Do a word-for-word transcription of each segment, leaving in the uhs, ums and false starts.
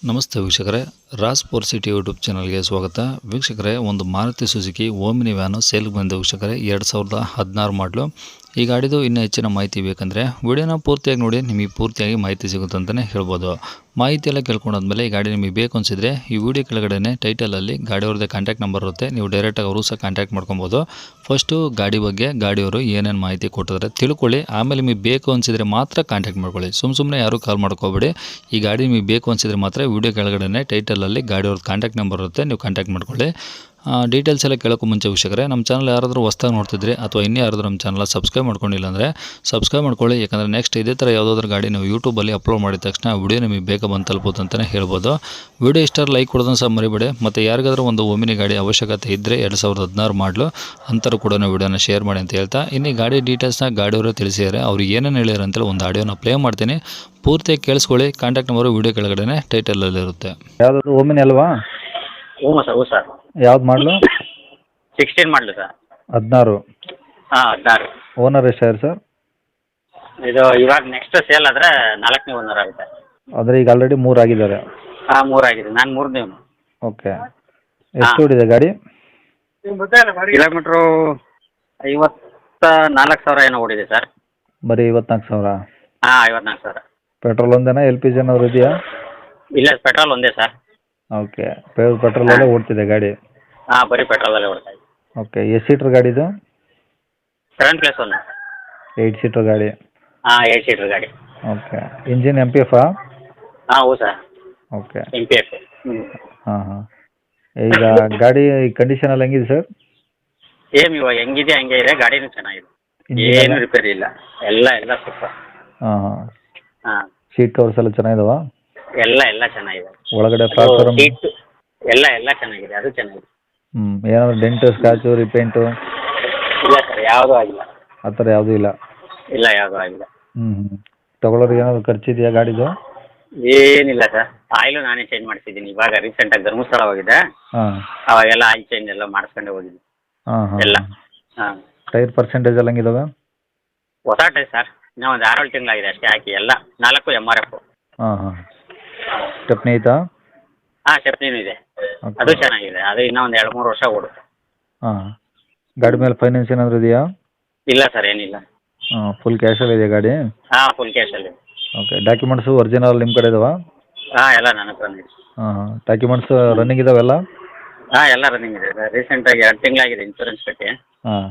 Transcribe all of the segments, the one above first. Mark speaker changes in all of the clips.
Speaker 1: ನಮಸ್ತೆ ವೀಕ್ಷಕರೇ, Raas four city YouTube ಚಾನಲ್ಗೆ ಸ್ವಾಗತ. ವೀಕ್ಷಕರೇ, ಒಂದು ಮಾರುತಿ ಸುಜುಕಿ ಓಮಿನಿ ವ್ಯಾನು ಸೇಲ್ಗೆ ಬಂದ ವೀಕ್ಷಕರೇ, ಎರಡು ಸಾವಿರದ ಹದಿನಾರು ಮಾಡಲು. ಈ ಗಾಡಿದು ಇನ್ನೂ ಹೆಚ್ಚಿನ ಮಾಹಿತಿ ಬೇಕಂದರೆ ವಿಡಿಯೋನ ಪೂರ್ತಿಯಾಗಿ ನೋಡಿ, ನಿಮಗೆ ಪೂರ್ತಿಯಾಗಿ ಮಾಹಿತಿ ಸಿಗುತ್ತೆ ಅಂತಲೇ ಹೇಳ್ಬೋದು. ಮಾಹಿತಿ ಎಲ್ಲ ಕೇಳ್ಕೊಂಡಾದ್ಮೇಲೆ ಈ ಗಾಡಿ ನಿಮಗೆ ಬೇಕು ಅನಿಸಿದರೆ ಈ ವಿಡಿಯೋ ಕೆಳಗಡೆ ಟೈಟಲಲ್ಲಿ ಗಾಡಿಯವ್ರದ್ದೇ ಕಾಂಟ್ಯಾಕ್ಟ್ ನಂಬರ್ ಇರುತ್ತೆ, ನೀವು ಡೈರೆಕ್ಟಾಗಿ ಅವರು ಸಹ ಕಾಂಟ್ಯಾಕ್ಟ್ ಮಾಡ್ಕೊಬೋದು. ಫಸ್ಟು ಗಾಡಿ ಬಗ್ಗೆ ಗಾಡಿಯವರು ಏನೇನು ಮಾಹಿತಿ ಕೊಟ್ಟಿದ್ದಾರೆ ತಿಳ್ಕೊಳ್ಳಿ, ಆಮೇಲೆ ನಿಮಗೆ ಬೇಕು ಅನಿಸಿದರೆ ಮಾತ್ರ ಕಾಂಟ್ಯಾಕ್ಟ್ ಮಾಡ್ಕೊಳ್ಳಿ. ಸುಮ್ಮ ಸುಮ್ಮನೆ ಯಾರೂ ಕಾಲ್ ಮಾಡ್ಕೋಬೇಡಿ. ಈ ಗಾಡಿ ನಿಮಗೆ ಬೇಕು ಅನಿಸಿದರೆ ಮಾತ್ರ ವಿಡಿಯೋ ಕೆಳಗಡೆ ಟೈಟಲಲ್ಲಿ ಗಾಡಿಯವ್ರದ್ದು ಕಾಂಟ್ಯಾಕ್ಟ್ ನಂಬರ್ ಇರುತ್ತೆ, ನೀವು ಕಾಂಟ್ಯಾಕ್ಟ್ ಮಾಡ್ಕೊಳ್ಳಿ. ಡೀಟೇಲ್ಸ್ ಎಲ್ಲ ಕೇಳೋಕ್ಕೂ ಮುಂಚೆ ವೀಕ್ಷಕರೇ, ನಮ್ಮ ಚಾನಲ್ ಯಾರಾದರೂ ಹೊಸ್ದಾಗಿ ನೋಡ್ತಿದ್ರೆ ಅಥವಾ ಇನ್ನೂ ಯಾರಾದರೂ ನಮ್ಮ ಚಾನಲ್ ಸಬ್ಸ್ಕ್ರೈಬ್ ಮಾಡ್ಕೊಂಡಿಲ್ಲ ಅಂದರೆ ಸಬ್ಸ್ಕ್ರೈಬ್ ಮಾಡ್ಕೊಳ್ಳಿ. ಯಾಕಂದರೆ ನೆಕ್ಸ್ಟ್ ಇದೇ ಥರ ಯಾವುದಾದ್ರೂ ಗಾಡಿ ನೀವು ಯೂಟ್ಯೂಬಲ್ಲಿ ಅಪ್ಲೋಡ್ ಮಾಡಿದ ತಕ್ಷಣ ವಿಡಿಯೋ ನಿಮಗೆ ಬೇಗ ಬಂದು ತಲುಪುತ್ತೆ ಅಂತಲೇ ಹೇಳ್ಬೋದು. ವಿಡಿಯೋ ಇಷ್ಟ ಲೈಕ್ ಕೊಡೋದನ್ನು ಸಹ ಮರಿಬೇಡಿ. ಮತ್ತು ಯಾರಿಗಾದ್ರೂ ಒಂದು ಓಮಿನಿ ಗಾಡಿ ಅವಶ್ಯಕತೆ ಇದ್ದರೆ ಎರಡು ಸಾವಿರದ ಹದಿನಾರು ಮಾಡಲು ಅಂಥವ್ರು ಕೂಡ ವಿಡಿಯೋನ ಶೇರ್ ಮಾಡಿ ಅಂತ ಹೇಳ್ತಾ, ಇನ್ನು ಗಾಡಿ ಡೀಟೇಲ್ಸ್ನ ಗಾಡಿಯವರು ತಿಳಿಸಿದ್ದಾರೆ. ಅವ್ರು ಏನೇನು ಹೇಳ್ಯಾರ ಅಂತೇಳಿ ಒಂದು ಆಡಿಯೋನ ಪ್ಲೇ ಮಾಡ್ತೀನಿ, ಪೂರ್ತಿಯಾಗಿ ಕೇಳಿಸ್ಕೊಳ್ಳಿ. ಕಾಂಟ್ಯಾಕ್ಟ್ ನಂಬರು ವಿಡಿಯೋ ಕೆಳಗಡೆ ಟೈಟಲಲ್ಲಿರುತ್ತೆ.
Speaker 2: ಯಾವ್ದು ಓಮಿನಿ ಅಲ್ವಾ?
Speaker 3: ಹ್ಞೂ ಸರ್ ಹ್ಞೂ ಸರ್
Speaker 2: ಯಾವ್ದು ಮಾಡಲು?
Speaker 3: ಸಿಕ್ಸ್ಟೀನ್ ಮಾಡಲು ಸರ್.
Speaker 2: ಹದಿನಾರು.
Speaker 3: ಹಾಂ ಹದಿನಾರು.
Speaker 2: ಓನರ್ ಎಷ್ಟಾರು ಸರ್?
Speaker 3: ಇದು ಇವಾಗ ನೆಕ್ಸ್ಟ್ ಸೇಲ್ ಆದರೆ ನಾಲ್ಕನೇ ಓನರ್ ಆಗುತ್ತೆ.
Speaker 2: ಅಂದರೆ ಈಗ ಆಲ್ರೆಡಿ ಮೂರು ಆಗಿದ್ದಾರೆ.
Speaker 3: ಹಾಂ ಮೂರಾಗಿದೆ, ನಾನು ಮೂರನೇ.
Speaker 2: ಓಕೆ. ಎಷ್ಟು ಓಡಿದೆ ಗಾಡಿ?
Speaker 3: ಕಿಲೋಮೀಟ್ರು ಐವತ್ತ ನಾಲ್ಕು ಸಾವಿರ ಏನೋ ಓಡಿದೆ ಸರ್.
Speaker 2: ಬರೀ ಐವತ್ನಾಲ್ಕು ಸಾವಿರ?
Speaker 3: ಹಾಂ ಐವತ್ನಾಲ್ಕು ಸಾವಿರ.
Speaker 2: ಪೆಟ್ರೋಲ್ ಒಂದೇನಾ, ಎಲ್ ಪಿ ಜಿ ಏನಾದ್ರು ಇದೆಯಾ?
Speaker 3: ಇಲ್ಲ ಪೆಟ್ರೋಲ್ ಒಂದೇ ಸರ್.
Speaker 2: ಓಕೆ. ಪೆಟ್ರೋಲಲ್ಲೇ ಓಡ್ತಿದೆ ಗಾಡಿ?
Speaker 3: ಹಾಂ ಬರೀ ಪೆಟ್ರೋಲಲ್ಲೇ ಓಡ್ತಾ ಇದೆ.
Speaker 2: ಓಕೆ. ಎಷ್ಟು ಸೀಟ್ರ್ ಗಾಡಿದು?
Speaker 3: Seven plus one.
Speaker 2: Eight seater ಗಾಡಿ?
Speaker 3: ಹಾಂ ಏಯ್ಟ್ ಸೀಟ್ರ್ ಗಾಡಿ.
Speaker 2: ಓಕೆ. ಇಂಜಿನ್ ಎಮ್ ಪಿ ಎಫಾ?
Speaker 3: ಹಾಂ ಹೌದು sir.
Speaker 2: Okay.
Speaker 3: M P F. ಹ್ಞೂ.
Speaker 2: ಹಾಂ ಹಾಂ. ಈಗ ಗಾಡಿ ಕಂಡೀಷನ್ ಎಲ್ಲ ಹೆಂಗಿದೆ ಸರ್?
Speaker 3: ಸೇಮ್ ಇವಾಗ ಹೆಂಗಿದೆ ಹಂಗೆ ಇದೆ, ಗಾಡಿನೂ ಚೆನ್ನಾಗಿದೆ, ಏನು ರಿಪೇರಿ ಇಲ್ಲ, ಎಲ್ಲ ಎಲ್ಲ ಸೂಪರ್.
Speaker 2: ಹಾಂ ಹಾಂ.
Speaker 3: ಹಾಂ.
Speaker 2: ಸೀಟ್ ಕವರ್ಸ್ ಎಲ್ಲ ಚೆನ್ನಾಗಿದಾವಾ?
Speaker 3: ಎಲ್ಲ ಎಲ್ಲ ಚೆನ್ನಾಗಿದೆ.
Speaker 2: ಒಳಗಡೆ ಪ್ಲಾಟ್ಫಾರ್ಮ್
Speaker 3: ಸೀಟ್ ಎಲ್ಲ ಎಲ್ಲ ಚೆನ್ನಾಗಿದೆ, ಅದು ಚೆನ್ನಾಗಿದೆ.
Speaker 2: ಹ್ಞೂ. ಏನಾದರೂ ಡೆಂಟು ಸ್ಕ್ರಾಚು ರಿಪೇಂಟು?
Speaker 3: ಇಲ್ಲ ಸರ್, ಯಾವುದೂ ಆಗಿಲ್ಲ.
Speaker 2: ಆ ಥರ ಯಾವುದೂ ಇಲ್ಲ?
Speaker 3: ಇಲ್ಲ ಯಾವುದೂ ಆಗಿಲ್ಲ.
Speaker 2: ಹ್ಞೂ ಹ್ಞೂ. ತೊಗೊಳೋರಿಗೆ ಏನಾದರೂ ಖರ್ಚಿದೆಯಾ ಗಾಡಿದು?
Speaker 3: ಏನಿಲ್ಲ ಸರ್, ಆಯಿಲು ನಾನೇ ಚೇಂಜ್ ಮಾಡಿಸಿದ್ದೀನಿ. ಇವಾಗ ರೀಸೆಂಟಾಗಿ ಧರ್ಮಸ್ಥಳ ಹೋಗಿದ್ದೆ,
Speaker 2: ಹಾಂ,
Speaker 3: ಅವಾಗೆಲ್ಲ ಆಯಿಲ್ ಚೇಂಜ್ ಎಲ್ಲ ಮಾಡಿಸ್ಕೊಂಡೆ ಹೋಗಿದ್ದೀನಿ.
Speaker 2: ಹಾಂ ಹಾಂ
Speaker 3: ಎಲ್ಲ. ಹಾಂ.
Speaker 2: ಟೈರ್ ಪರ್ಸೆಂಟೇಜ್ ಎಲ್ಲ ಹೆಂಗಿದಾವೆ?
Speaker 3: ಹೊಸ ಟೈರ್ ಸರ್, ಇನ್ನೂ ಒಂದು ಆರೇಳು ತಿಂಗಳಾಗಿದೆ ಅಷ್ಟೇ ಹಾಕಿ. ಎಲ್ಲ ನಾಲ್ಕು ಎಮ್ ಆರ್ ಎಫ್.
Speaker 2: ಹಾಂ ಹಾಂ. ಸ್ಟೆಪ್ನಿ ಐತಾ?
Speaker 3: ಹಾಂ ಸ್ಟೆಪ್ನಿನೂ ಇದೆ, ಅದು ಚೆನ್ನಾಗಿದೆ. ಅದು ಇನ್ನೂ ಒಂದು ಎರಡು ಮೂರು ವರ್ಷ ಓಡುತ್ತೆ.
Speaker 2: ಹಾಂ. ಗಾಡಿ ಮೇಲೆ ಫೈನಾನ್ಸ್ ಏನಾದರೂ ಇದೆಯಾ?
Speaker 3: ಇಲ್ಲ ಸರ್, ಏನಿಲ್ಲ.
Speaker 2: ಹಾಂ. ಫುಲ್ ಕ್ಯಾಶಲ್ಲಿ ಇದೆಯಾ ಗಾಡಿ?
Speaker 3: ಹಾಂ ಫುಲ್ ಕ್ಯಾಶಲ್ಲಿ.
Speaker 2: ಓಕೆ. ಡಾಕ್ಯುಮೆಂಟ್ಸು ಒರಿಜಿನಲ್ ನಿಮ್ಮ ಕಡೆ ಇದಾವಾ?
Speaker 3: ಹಾಂ ಎಲ್ಲ ನನ್ನ ಹತ್ರ ಇದೆ.
Speaker 2: ಹಾಂ ಹಾಂ. ಡಾಕ್ಯುಮೆಂಟ್ಸ್ ರನ್ನಿಂಗ್ ಇದಾವೆಲ್ಲ?
Speaker 3: ಹಾಂ ಎಲ್ಲ ರನ್ನಿಂಗ್ ಇದೆ. ರೀಸೆಂಟಾಗಿ ಎರಡು ತಿಂಗಳಾಗಿದೆ ಇನ್ಶೂರೆನ್ಸ್ ಕಟ್ಟಿ.
Speaker 2: ಹಾಂ.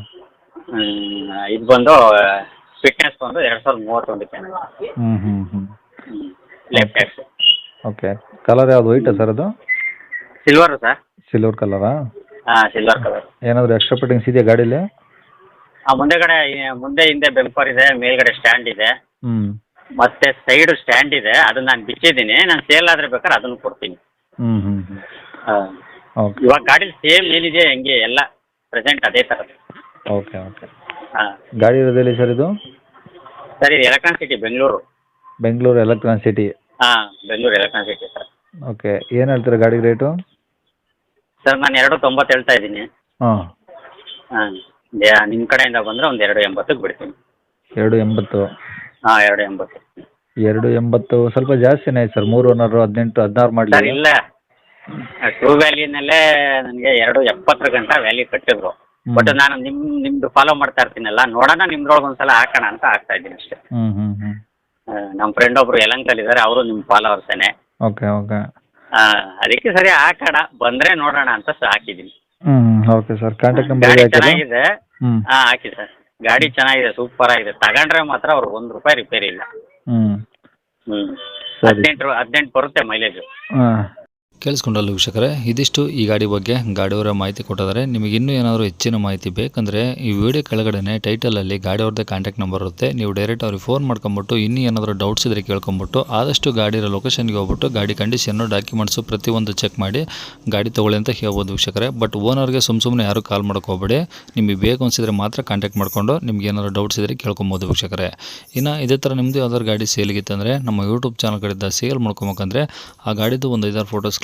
Speaker 3: ಇದು ಬಂದು ಫಿಟ್ನೆಸ್ ಬಂದು ಎರಡು ಸಾವಿರದ ಮೂವತ್ತೊಂದಕ್ಕೆ.
Speaker 2: ಹ್ಞೂ ಹ್ಞೂ ಹ್ಞೂ.
Speaker 3: Left tax.
Speaker 2: ಓಕೆ. ಕಲರ್ ಯಾವುದು, ವೈಟಾ ಸರ್ ಅದು?
Speaker 3: Silver sir.
Speaker 2: ಸಿಲ್ವರ್ ಕಲರಾ?
Speaker 3: ಹಾಂ ಸಿಲ್ವರ್ ಕಲರ್.
Speaker 2: ಏನಾದರೂ ಎಕ್ಸ್ಟ್ರಾ ಫಿಟ್ಟಿಂಗ್ಸ್ ಇದೆಯಾ ಗಾಡೀಲಿ?
Speaker 3: ಹಾಂ ಮುಂದೆಗಡೆ ಮುಂದೆ ಹಿಂದೆ ಬೆಂಪರ್ ಇದೆ, ಮೇಲ್ಗಡೆ ಸ್ಟ್ಯಾಂಡ್ ಇದೆ,
Speaker 2: ಹ್ಞೂ,
Speaker 3: ಮತ್ತೆ ಸೈಡು ಸ್ಟ್ಯಾಂಡ್ ಇದೆ. ಅದನ್ನ ನಾನು ಬಿಚ್ಚಿದ್ದೀನಿ, ನಾನು ಸೇಲ್ ಆದರೆ ಬೇಕಾದ್ರೆ ಅದನ್ನು ಕೊಡ್ತೀನಿ.
Speaker 2: ಹ್ಞೂ ಹ್ಞೂ ಹ್ಞೂ.
Speaker 3: ಹಾಂ.
Speaker 2: ಓಕೆ.
Speaker 3: ಇವಾಗ ಗಾಡಿ ಸೇಮ್ ಏನಿದೆ ಹಂಗೆ ಎಲ್ಲ ಪ್ರೆಸೆಂಟ್ ಅದೇ ಥರದ್ದು.
Speaker 2: Okay okay.
Speaker 3: ಹಾಂ.
Speaker 2: ಗಾಡಿ ಇರೋದಿಲ್ಲ ಸರ್ ಇದು?
Speaker 3: ಸರ್ ಇದು electron city Bengaluru.
Speaker 2: Bengaluru electron city?
Speaker 3: ಹಾಂ Bengaluru electron city sir.
Speaker 2: Okay. ಏನು ಹೇಳ್ತೀರಾ ಗಾಡಿಗೆ ರೇಟು?
Speaker 3: ಸರ್ ನಾನು ಎರಡು ತೊಂಬತ್ತು ಹೇಳ್ತಾ ಇದ್ದೀನಿ.
Speaker 2: ಹಾಂ
Speaker 3: ಹಾಂ. ನಿಮ್ಮ ಕಡೆಯಿಂದ ಬಂದರೆ ಒಂದು ಎರಡು ಎಂಬತ್ತಕ್ಕೆ ಬಿಡ್ತೀನಿ.
Speaker 2: ಎರಡು ಎಂಬತ್ತು?
Speaker 3: ಹಾಂ ಎರಡು ಎಂಬತ್ತು.
Speaker 2: ಎರಡು ಎಂಬತ್ತು ಸ್ವಲ್ಪ ಜಾಸ್ತಿನೇ ಆಯ್ತು ಸರ್. ಮೂರು ಓನರು, ಹದಿನೆಂಟು ಹದಿನಾರು ಮಾಡಲಿ.
Speaker 3: ಸರ್ ಇಲ್ಲ, ಟ್ರೂ ವ್ಯಾಲ್ಯೂನಲ್ಲೇ ನನಗೆ ಎರಡು ಎಪ್ಪತ್ತರ ಗಂಟ ವ್ಯಾಲ್ಯೂ ಕಟ್ಟಿದ್ರು. ಬಟ್ ನಾನು ನಿಮ್ಮ ನಿಮ್ಮದು ಫಾಲೋ ಮಾಡ್ತಾ ಇರ್ತೀನಲ್ಲ, ನೋಡೋಣ ನಿಮ್ದ್ರೊಳಗೆ ಒಂದು ಸಲ ಹಾಕೋಣ ಅಂತ ಹಾಕ್ತಾ ಇದ್ದೀನಿ ಅಷ್ಟೇ.
Speaker 2: ಹ್ಞೂ ಹ್ಞೂ ಹ್ಞೂ.
Speaker 3: ನಮ್ಮ ಫ್ರೆಂಡ್ ಒಬ್ಬರು ಯಲಂಕಲ್ಲಿ ಇದ್ದಾರೆ, ಅವರು ನಿಮ್ಮ ಫಾಲೋವರ್ಸೇನೆ.
Speaker 2: Okay okay.
Speaker 3: ಹಾಂ ಅದಕ್ಕೆ ಸರಿ ಹಾಕೋಣ, ಬಂದರೆ ನೋಡೋಣ ಅಂತ ಹಾಕಿದ್ದೀನಿ.
Speaker 2: ಹ್ಞೂ ಓಕೆ ಸರ್. ಕಾಂಟ್ಯಾಕ್ಟ್ ನಂಬರ್
Speaker 3: ಗಾಡಿ ಚೆನ್ನಾಗಿದೆ.
Speaker 2: ಹ್ಞೂ
Speaker 3: ಹಾಂ ಹಾಕಿ ಸರ್, ಗಾಡಿ ಚೆನ್ನಾಗಿದೆ, ಸೂಪರ್ ಆಗಿದೆ. ತಗೊಂಡ್ರೆ ಮಾತ್ರ ಅವ್ರು ಒಂದು ರೂಪಾಯಿ ರಿಪೇರಿ ಇಲ್ಲ.
Speaker 2: ಹ್ಞೂ
Speaker 3: ಹ್ಞೂ.
Speaker 2: ಸರಿ.
Speaker 3: ಹದಿನೆಂಟು ಹದಿನೆಂಟು ಬರುತ್ತೆ ಮೈಲೇಜು.
Speaker 2: ಹಾಂ.
Speaker 1: ಕೇಳಿಸ್ಕೊಂಡಲ್ಲ ವೀಕ್ಷಕರೇ, ಇದಿಷ್ಟು ಈ ಗಾಡಿ ಬಗ್ಗೆ ಗಾಡಿಯವರ ಮಾಹಿತಿ ಕೊಟ್ಟಿದ್ದಾರೆ. ನಿಮಗೆ ಇನ್ನೂ ಏನಾದರೂ ಹೆಚ್ಚಿನ ಮಾಹಿತಿ ಬೇಕಂದರೆ ಈ ವಿಡಿಯೋ ಕೆಳಗಡೆ ಟೈಟಲಲ್ಲಿ ಗಾಡಿಯವ್ರದ್ದೇ ಕಾಂಟ್ಯಾಕ್ಟ್ ನಂಬರ್ ಇರುತ್ತೆ, ನೀವು ಡೈರೆಕ್ಟ್ ಅವ್ರಿಗೆ ಫೋನ್ ಮಾಡ್ಕೊಂಬಿಟ್ಟು ಇನ್ನೂ ಏನಾದರೂ ಡೌಟ್ಸ್ ಇದ್ದರೆ ಕೇಳ್ಕೊಂಬಿಟ್ಟು ಆದಷ್ಟು ಗಾಡಿಯ ಲೊಕೇಶನ್ಗೆ ಹೋಗ್ಬಿಟ್ಟು ಗಾಡಿ ಕಂಡೀಷನ್ನು ಡಾಕ್ಯುಮೆಂಟ್ಸು ಪ್ರತಿಯೊಂದು ಚೆಕ್ ಮಾಡಿ ಗಾಡಿ ತೊಗೊಳ್ಳಿ ಅಂತ ಹೇಳ್ಬೋದು ವೀಕ್ಷಕರೇ. ಬಟ್ ಓನರ್ಗೆ ಸುಮ್ಮ ಸುಮ್ಮನೆ ಯಾರು ಕಾಲ್ ಮಾಡೋಕೆ ಹೋಗಬೇಡಿ, ನಿಮಗೆ ಬೇಕು ಅನಿಸಿದ್ರೆ ಮಾತ್ರ ಕಾಂಟ್ಯಾಕ್ಟ್ ಮಾಡಿಕೊಂಡು ನಿಮ್ಗೆ ಏನಾದರೂ ಡೌಟ್ಸ್ ಇದ್ದರೆ ಕೇಳ್ಕೊಬೋದು ವೀಕ್ಷಕರೇ. ಇನ್ನು ಇದೇ ಥರ ನಿಮ್ಮದು ಯಾವ್ದಾದ್ರು ಗಾಡಿ ಸೇಲಿಗಿತ್ತಂದರೆ ನಮ್ಮ ಯೂಟ್ಯೂಬ್ ಚಾನಲ್ ಕಡೆಯಿಂದ ಸೇಲ್ ಮಾಡ್ಕೊಬೇಕಂದ್ರೆ ಆ ಗಾಡಿದು ಒಂದು ಐದಾರು ಫೋಟೋಸ್ ಕ್ಲಿಕ್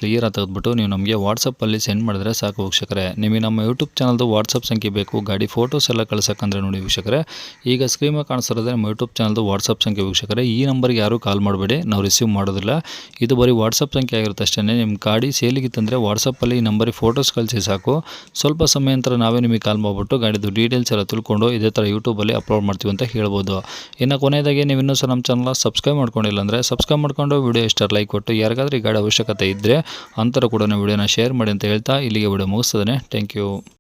Speaker 1: ಕ್ಲಿಯರಾಗಿ ತೆಗೆದುಬಿಟ್ಟು ನೀವು ನಮಗೆ ವಾಟ್ಸಪ್ಪಲ್ಲಿ ಸೆಂಡ್ ಮಾಡಿದ್ರೆ ಸಾಕು ವೀಕ್ಷಕರೇ. ನಿಮಗೆ ನಮ್ಮ ಯೂಟ್ಯೂಬ್ ಚಾನಲ್ದು ವಾಟ್ಸಪ್ ಸಂಖ್ಯೆ ಬೇಕು, ಗಾಡಿ ಫೋಟೋಸ್ ಎಲ್ಲ ಕಳ್ಸೋಕ್ಕಂದ್ರೆ ನೋಡಿ ವೀಕ್ಷಕರೇ, ಈಗ ಸ್ಕ್ರೀನ್ ಮೇಲೆ ಕಾಣಿಸ್ತಿರೋದೇ ನಮ್ಮ ಯೂಟ್ಯೂಬ್ ಚಾನಲ್ದು ವಾಟ್ಸಪ್ ಸಂಖ್ಯೆ ವೀಕ್ಷಕರೇ. ಈ ನಂಬರ್ಗೆ ಯಾರೂ ಕಾಲ್ ಮಾಡಬೇಡಿ, ನಾವು ರಿಸೀವ್ ಮಾಡೋದಿಲ್ಲ. ಇದು ಬರೀ ವಾಟ್ಸಪ್ ಸಂಖ್ಯೆ ಆಗಿರುತ್ತೆ ಅಷ್ಟೇ. ನಿಮ್ಮ ಗಾಡಿ ಸೇಲಿಗಿತ್ತಂದರೆ ವಾಟ್ಸಪ್ಪಲ್ಲಿ ಈ ನಂಬರಿಗೆ ಫೋಟೋಸ್ ಕಳಿಸಿ ಸಾಕು. ಸ್ವಲ್ಪ ಸಮಯ ನಂತರ ನಾವೇ ನಿಮಗೆ ಕಾಲ್ ಮಾಡಿಬಿಟ್ಟು ಗಾಡಿದು ಡೀಟೇಲ್ಸ್ ಎಲ್ಲ ತಿಳ್ಕೊಂಡು ಇದೇ ಥರ ಯೂಟ್ಯೂಬಲ್ಲಿ ಅಪ್ಲೋಡ್ ಮಾಡ್ತೀವಿ ಅಂತ ಹೇಳ್ಬೋದು. ಇನ್ನು ಕೊನೆಯದಾಗಿ ನೀವು ಇನ್ನೂ ಸಹ ನಮ್ಮ ಚಾನಲ್ನ ಸಬ್ಸ್ಕ್ರೈಬ್ ಮಾಡ್ಕೊಂಡಿಲ್ಲ ಅಂದರೆ ಸಬ್ಸ್ಕ್ರೈಬ್ ಮಾಡ್ಕೊಂಡು ವಿಡಿಯೋ ಇಷ್ಟ ಲೈಕ್ ಕೊಟ್ಟು ಯಾರಿಗಾದ್ರೂ ಈ ಗಾಡಿ ಅವಶ್ಯಕತೆ ಇದ್ದರೆ ಅಂಥವ್ರು ಕೂಡ ವಿಡಿಯೋನ ಶೇರ್ ಮಾಡಿ ಅಂತ ಹೇಳ್ತಾ ಇಲ್ಲಿಗೆ ವಿಡಿಯೋ ಮುಗಿಸ್ತದೆ. Thank you.